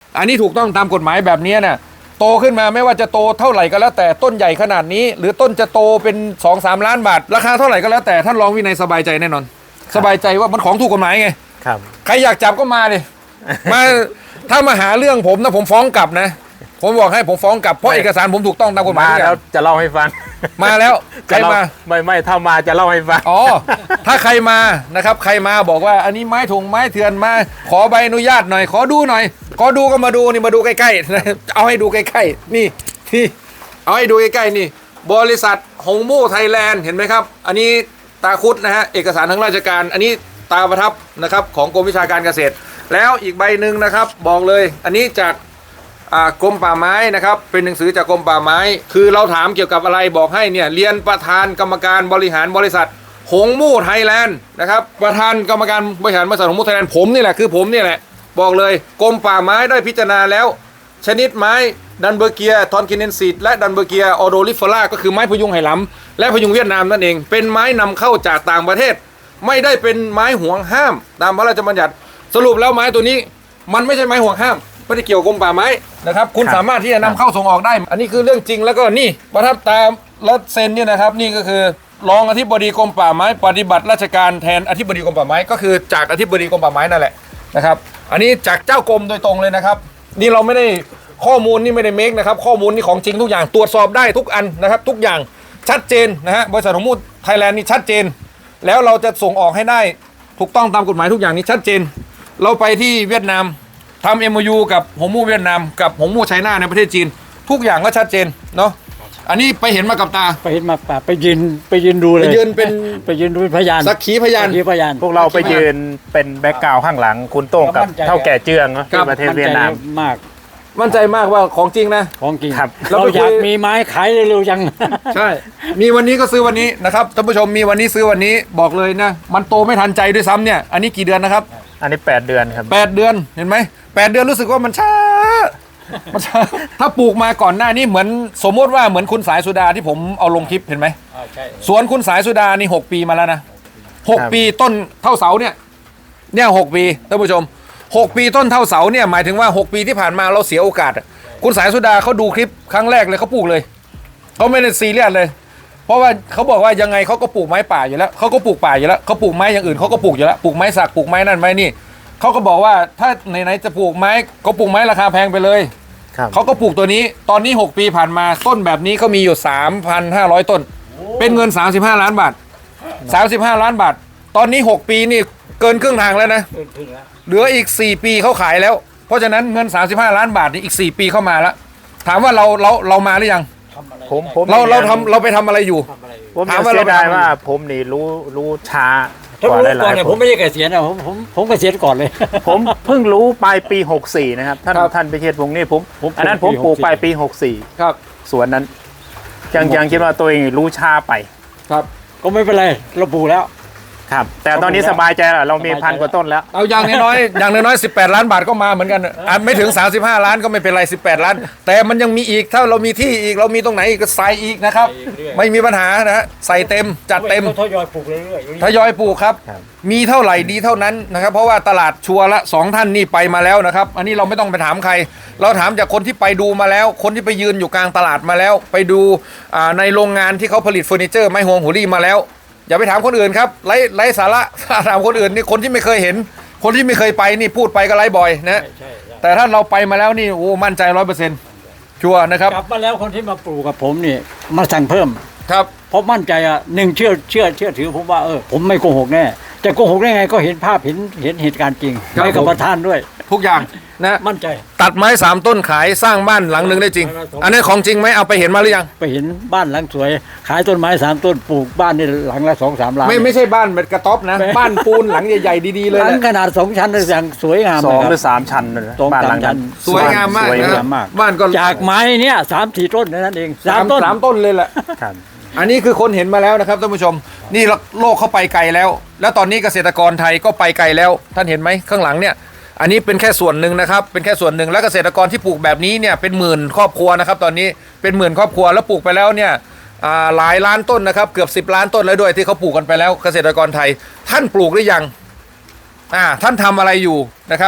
อันนี้ถูกต้องตามกฎหมายแบบนี้เนี่ยโตขึ้นมาไม่ว่าจะโตเท่าไหร่ก็แล้วแต่ต้นใหญ่ขนาดนี้หรือต้นจะโตเป็น 2-3 ล้านบาทราคาเท่าไหร่ก็แล้วแต่ท่านรองวินัยสบายใจแน่นอนสบายใจว่ามันของถูกกฎหมายไงครับใครอยากจับก็มาเลยมาถ้ามาหาเรื่องผมนะผมฟ้องกลับนะผมบอกให้ผมฟ้องกลับเพราะเอกสารผมถูกต้องตามกฎหมายแล้วจะเล่าให้ฟังมาแล้วใครมาไม่ถ้ามาจะเล่าให้ฟังอ๋อถ้าใครมานะครับใครมาบอกว่าอันนี้ไม้ถุงไม้เถื่อนมาขอใบอนุญาตหน่อยขอดูหน่อยขอดูก็มาดูนี่มาดูใกล้ๆเอาให้ดูใกล้ๆนี่เอาให้ดูใกล้ๆนี่บริษัทหงมู่ไทยแลนด์เห็นไหมครับอันนี้ตาคุดนะฮะเอกสารทางราชการอันนี้ตาประทับนะครับของกรมวิชาการเกษตรแล้วอีกใบหนึ่งนะครับบอกเลยอันนี้จากกรมป่าไม้นะครับเป็นหนังสือจากกรมป่าไม้คือเราถามเกี่ยวกับอะไรบอกให้เนี่ยเรียนประธานกรรมการบริหารบริษัทหงมู่ไทยแลนด์นะครับประธานกรรมการบริหารบริษัทหงมู่ไทยแลนด์ผมนี่แหละคือผมนี่แหละบอกเลยกรมป่าไม้ได้พิจารณาแล้วชนิดไม้ดันเบอร์เกียทอนกินเนนซีดและดันเบอร์เกียออโดลิฟอร่าก็คือไม้พยุงไหหลำและพยุงเวียดนามนั่นเองเป็นไม้นำเข้าจากต่างประเทศไม่ได้เป็นไม้ห่วงห้ามตามพระราชบัญญัติสรุปแล้วไม้ตัวนี้มันไม่ใช่ไม้ห่วงห้ามไม่ได้เกี่ยวกับกรมป่าไม้นะครับคุณสามารถที่จะนำเข้าส่งออกได้อันนี้คือเรื่องจริงแล้วก็นี่ประทับตามและเซ็นเนี่ยนะครับนี่ก็คือรองอธิบดีกรมป่าไม้ปฏิบัติราชการแทนอธิบดีกรมป่าไม้ก็คือจากอธิบดีกรมป่าไม้นั่นแหละนะครับอันนี้จากเจ้ากรมโดยตรงเลยนะครับนี่เราไม่ได้ข้อมูลนี่ไม่ได้เมคนะครับข้อมูลนี่ของจริงทุกอย่างตรวจสอบได้ทุกอันนะครับทุกอย่างชัดเจนนะฮะบริษัทหงมู่ไทยแลนด์นี่ชัดเจนแล้วเราจะส่งออกให้ได้ถูกต้องตามกฎหมายทุกอย่างนี้ชัดเจนเราไปที่เวียดนามทำ MOU กับหงมู่เวียดนามกับหงมู่ไชน่าในประเทศจีนทุกอย่างก็ชัดเจนเนาะอันนี้ไปเห็นมากับตาไปเห็นมาป่าไปยืนดูเลยไปยืนเป็นพยานสักขีพยานพวกเราไปยืนเป็นแบ็กกราวด์ข้างหลังคุณโต้งกับเท่าแก่เจืองที่ประเทศเวียดนามมากมั่นใจมากว่าของจริงนะของจริงครับเราอยากมีไม้ขายเร็วๆจังใช่มีวันนี้ก็ซื้อวันนี้นะครับท่านผู้ชมมีวันนี้ซื้อวันนี้บอกเลยนะมันโตไม่ทันใจด้วยซ้ำเนี่ยอันนี้กี่เดือนนะครับอันนี้8 เดือนครับ 8 เดือนเห็นไหม8 เดือนรู้สึกว่ามันช้าถ้าปลูกมาก่อนหน้านี้เหมือนสมมติว่าเหมือนคุณสายสุดาที่ผมเอาลงคลิปเห็นไหมสวนคุณสายสุดานี่6 ปีมาแล้วนะ6 ปีต้นเท่าเสาเนี่ย6 ปีท่านผู้ชม6 ปีต้นเท่าเสาเนี่ยหมายถึงว่า6 ปีที่ผ่านมาเราเสียโอกาสคุณสายสุดาเขาดูคลิปครั้งแรกเลยเขาปลูกเลยเขาไม่ได้ซีเรียสเลยเพราะว่าเขาบอกว่ายังไงเขาก็ปลูกไม้ป่าอยู่แล้วเขาก็ปลูกป่าอยู่แล้วเขาปลูกไม้อย่างอื่นเขาก็ปลูกอยู่แล้วปลูกไม้สักปลูกไม้นั่นไม้นี่เขาก็บอกว่าถ้าไหนๆจะปลูกไม้ก็ปลูกไม้ราคาแพงไปเลยเขาก็ปลูกตัวนี้ตอนนี้6 ปีผ่านมาต้นแบบนี้เขามีอยู่ 3,500 ต้นเป็นเงิน35 ล้านบาท35 ล้านบาทตอนนี้6 ปีนี่เกินครึ่งทางแล้วนะเหลืออีก4 ปีเขาขายแล้วเพราะฉะนั้นเงิน35 ล้านบาทนี่อีก4 ปีเข้ามาแล้วถามว่าเรามาหรือยังเราไปทำอะไรอยู่ผมถามว่าเราได้ว่าผมนี่รู้ช้าถ้ารู้ก่อนเนี่ยผมไม่ได้เกษียณนะผมเกษียณก่อนเลยผมเพิ่งรู้ปลายปี64นะครับท่านพิเชษพงศ์นี่ผมอันนั้นผมปลูกปลายปี64 ครับสวนนั้นยังคิดว่าตัวเองรู้ช้าไปครับก็ไม่เป็นไรเราปลูกแล้วครับแต่ตอนนี้สบายใจแล้วเรามี1,000 กว่าต้นแล้วเอาอย่างน้อย18 ล้านบาทก็มาเหมือนกันไม่ถึง35 ล้านก็ไม่เป็นไร18 ล้านแต่มันยังมีอีกถ้าเรามีที่อีกเรามีตรงไหนก็ใส่อีกนะครับไม่มีปัญหานะฮะใส่เต็มจัดเต็มทยอยปลูกเรื่อยๆทยอยปลูกครับมีเท่าไหร่ดีเท่านั้นนะครับเพราะว่าตลาดชัวร์ละ2 ท่านนี่ไปมาแล้วนะครับอันนี้เราไม่ต้องไปถามใครเราถามจากคนที่ไปดูมาแล้วคนที่ไปยืนอยู่กลางตลาดมาแล้วไปดูในโรงงานที่เขาผลิตเฟอร์นิเจอร์ไม้ฮวงหัวรี่มาแล้วอย่าไปถามคนอื่นครับไร้สาระถามคนอื่นนี่คนที่ไม่เคยเห็นคนที่ไม่เคยไปนี่พูดไปก็ไร้บ่อยนะแต่ถ้าเราไปมาแล้วนี่โอ้มั่นใจ100%ชัวร์นะครับกลับมาแล้วคนที่มาปลูกกับผมนี่มาสั่งเพิ่มครับเพราะมั่นใจ1เชื่อถือผมว่าผมไม่โกหกแน่จะโกหกได้ไงก็เห็นภาพเห็นเหตุการณ์จริงไปกับประธานด้วยทุกอย่างนะมั่นใจตัดไม้3 ต้นขายสร้างบ้านหลังหนึ่งได้จริงอันนี้ของจริงไหมเอาไปเห็นมาหรือยังไปเห็นบ้านหลังสวยขายต้นไม้3 ต้นปลูกบ้านนี่หลังละ 2-3 ล้านไม่ใช่บ้านแบบกระต๊อบนะบ้านปูนหลังใหญ่ๆดีๆเลยหลังขนาด2 ชั้นอย่างสวยงาม 2 หรือ 3 ชั้นเลยบ้านหลังชั้นสวยงามมากบ้านก็จากไม้เนี่ย3-4 ต้นนั่นเอง3 ต้นเลยแหละอันนี้คือคนเห็นมาแล้วนะครับท่านผู้ชมนี่โลกเข้าไปไกลแล้วตอนนี้เกษตรกรไทยก็ไปไกลแล้วท่านเห็นไหมข้างหลังเนี่ยอันนี้เป็นแค่ส่วนหนึ่งนะครับเป็นแค่ส่วนหนึ่งแล้วเกษตรกรที่ปลูกแบบนี้เนี่ยเป็นหมื่นครอบครัวนะครับตอนนี้เป็นหมื่นครอบครัวแล้วปลูกไปแล้วเนี่ยหลายล้านต้นนะครับเกือบ10 ล้านต้นแล้วด้วยที่เขาปลูกกันไปแล้วเกษตรกรไทยท่านปลูกหรือยังท่านทำอะไรอยู่นะครับ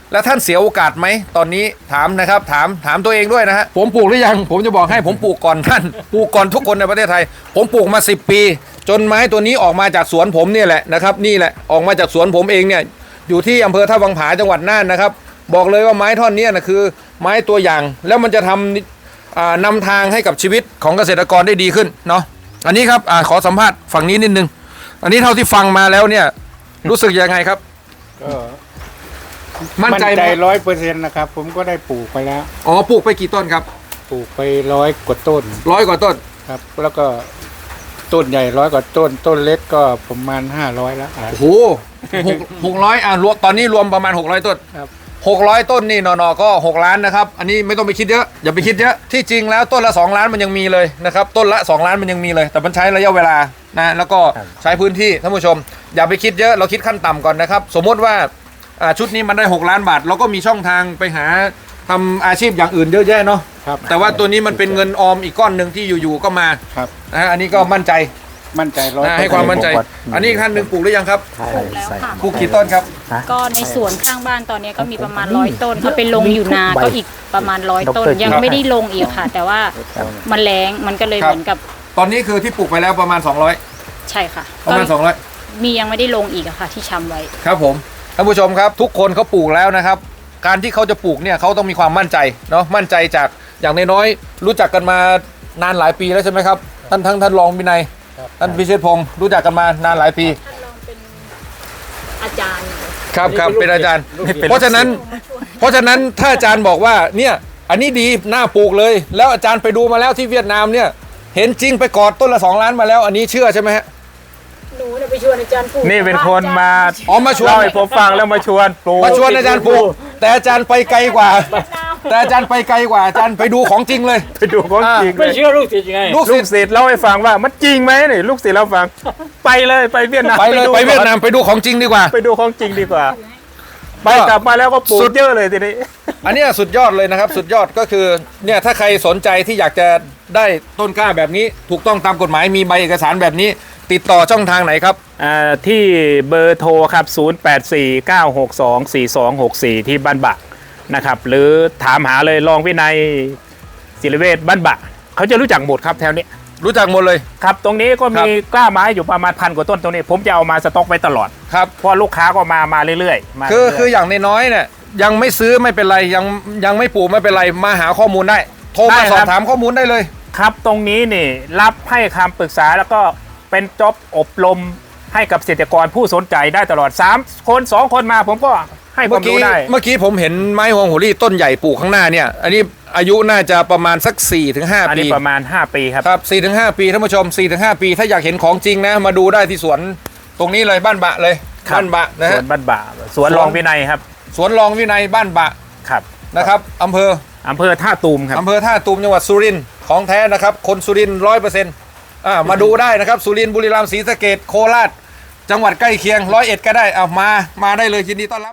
แล้วท่านเสียโอกาสไหมตอนนี้ถามนะครับถามตัวเองด้วยนะฮะผมปลูกหรือยังผมจะบอกให้ผมปลูกก่อนท่านปลูกก่อนทุกคนในประเทศไทยผมปลูกมา10 ปี จนไม้ตัวนี้ออกมาจากสวนผมเนี่ยแหละนะครับนี่แหละออกมาจากสวนผมเองเนี่ยอยู่ที่อำเภอท่าวังผาจังหวัดน่านนะครับบอกเลยว่าไม้ท่อนนี้นะคือไม้ตัวอย่างแล้วมันจะนำทางให้กับชีวิตของเกษตรกรได้ดีขึ้นเนาะอันนี้ครับขอสัมภาษณ์ฝั่งนี้นิดนึงอันนี้เท่าที่ฟังมาแล้วเนี่ยรู้สึกยังไงครับก็มั่นใจไหม 100%นะครับ ผมก็ได้ปลูกไปแล้วอ๋อปลูกไปกี่ต้นครับปลูกไป100 กว่าต้น 100 กว่าต้นครับ แล้วก็ต้นใหญ่100 กว่าต้น ต้นเล็กก็ประมาณ500แล้วโอ้โห600รวมตอนนี้รวมประมาณ600ต้นครับ 600 ต้นนี่นอก็6 ล้านนะครับอันนี้ไม่ต้องไปคิดเยอะอย่าไปคิดเยอะที่จริงแล้วต้นละ2 ล้านมันยังมีเลยนะครับต้นละ2 ล้านมันยังมีเลย แต่มันใช้ระยะเวลานะแล้วก็ใช้พื้นที่ท่านผู้ชม อย่าไปคิดเยอะเราคิดขั้นต่ำก่อนนะครับสมมติว่าชุดนี้มันได้6 ล้านบาทเราก็มีช่องทางไปหาทำอาชีพอย่างอื่นเยอะแยะเนาะครับแต่ว่าตัวนี้มันเป็นเงินออมอีกก้อนหนึ่งที่อยู่ๆก็มาครับนะฮะอันนี้ก็มั่นใจมั่นใจ100% นะให้ความมั่นใจ อันนี้อีกท่านหนึ่งปลูกหรือยังครับใช่ปลูกแล้วค่ะปลูกกี่ต้นครับก็ในสวนข้างบ้านตอนนี้ก็มีประมาณ100 ต้นเอาไปลงอยู่นาก็อีกประมาณ100 ต้น ยังไม่ได้ลงอีกค่ะ แต่ว่ามันแรงมันก็เลยครับเหมือนกับตอนนี้คือที่ปลูกไปแล้วประมาณ200 ใช่ค่ะประมาณก็ 200 มียังไม่ได้ลงอีกอะค่ะที่ชำไว้ครับผมท่านผู้ชมครับทุกคนเขาปลูกแล้วนะครับ การที่เขาจะปลูกเนี่ยเขาต้องมีความมั่นใจเนาะมั่นใจจากอย่างน้อยๆรู้จักกันมานานหลายปีแล้วใช่ไหมครับท่านรองวินัยท่านพิเชษพงศ์รู้จักกันมานานหลายปีท่านลองเป็นอาจารย์ครับเป็นอาจารย์ เพราะฉะนั้นถ้าอาจารย์บอกว่าเนี่ยอันนี้ดีน่าปลูกเลย แล้วอาจารย์ไปดูมาแล้วที่เวียดนามเนี่ยเห็นจริงไปกอดต้นละ2 ล้านมาแล้ว อันนี้เชื่อใช่ไหมฮะหนูเนี่ยไปชวนอาจารย์ปลูกนี่เป็นคนมาอ๋อมาชวนเล่าให้ผมฟังแล้วมาชวนปลูกมาชวนอาจารย์ปลูกแต่อาจารย์ไปไกลกว่า แต่อาจารย์ไปไกลกว่าอาจารย์ไปดูของจริงเลยไปดูของจริงเลไม่ยเชื่อลูกศิษย์ยังไงลูกลูศิกษย์ศิษย์เล่าให้ฟังว่ามันจริงไหมนี่ลูกศิษย์เล่าฟัง ไปเลยไปเวียดนามไปเลยดูไปเวียดก่อนนามไปดูของจริงดีกว่าไปดูของจริงดีกว่า ไปกลับมาแล้วก็ปลูกเยอะเลยทีนี้อันเนี้ยสุดยอดเลยนะครับ สุดยอดก็คือเนี่ยถ้าใครสนใจที่อยากจะได้ต้นกล้าแบบนี้ ถูกต้องตามกฎหมายมีใบเอกสารแบบนี้ ติดต่อช่องทางไหนครับที่เบอร์โทรครับ 0849624264 ที่บ้านบะนะครับหรือถามหาเลยรองวินัยศิริเวชบ้านบะเขาจะรู้จักหมดครับแถวนี้รู้จักหมดเลยครับตรงนี้ก็มีกล้าไม้อยู่ประมาณ1,000 กว่าต้นตรงนี้ ผมจะเอามาสต็อกไว้ตลอดครับเพราะลูกค้าก็มาเรื่อยๆมาคือเรื่ยๆคืออย่างน้อยๆเนี่ยยังไม่ซื้อไม่เป็นไรยังไม่ปลูกไม่เป็นไรมาหาข้อมูลได้ โทรได้มาครับสอบถามข้อมูลได้เลยครับตรงนี้นี่รับให้คำปรึกษาแล้วก็เป็นจ็อบอบรมให้กับเกษตรกรผู้สนใจได้ตลอด3 คน 2 คนมาผมก็ให้คเมื่วาอมกี้รู้ได้เมื่อกี้ผมเห็นไม้ฮวงหัวรี่ต้นใหญ่ปลูกข้างหน้าเนี่ยอันนี้อายุน่าจะประมาณสัก 4-5 อันปีนี้ประมาณ 5 ปีครับครับ 4-5 ปีท่านผู้ชม 4-5 ปีถ้าอยากเห็นของจริงนะมาดูได้ที่สวนตรงนี้เลยบ้านบะเลยครับบ้านบะนะสฮะวนบ้านบ่าสวนรองวินัยครับสวนรองวินัยบ้านบะครับนะครับอำเภออำเภอท่าตูมครับอำเภอท่าตูมจังหวัดสุรินทร์ของแท้นะครับคนสุรินทร์100%มาดูได้นะครับสุรินทร์บุรีรัมย์ศรีสะเกษโคราชจังหวัดใกล้เคียง101ก็ได้เอามาได้เลยยินดีต้อนรับ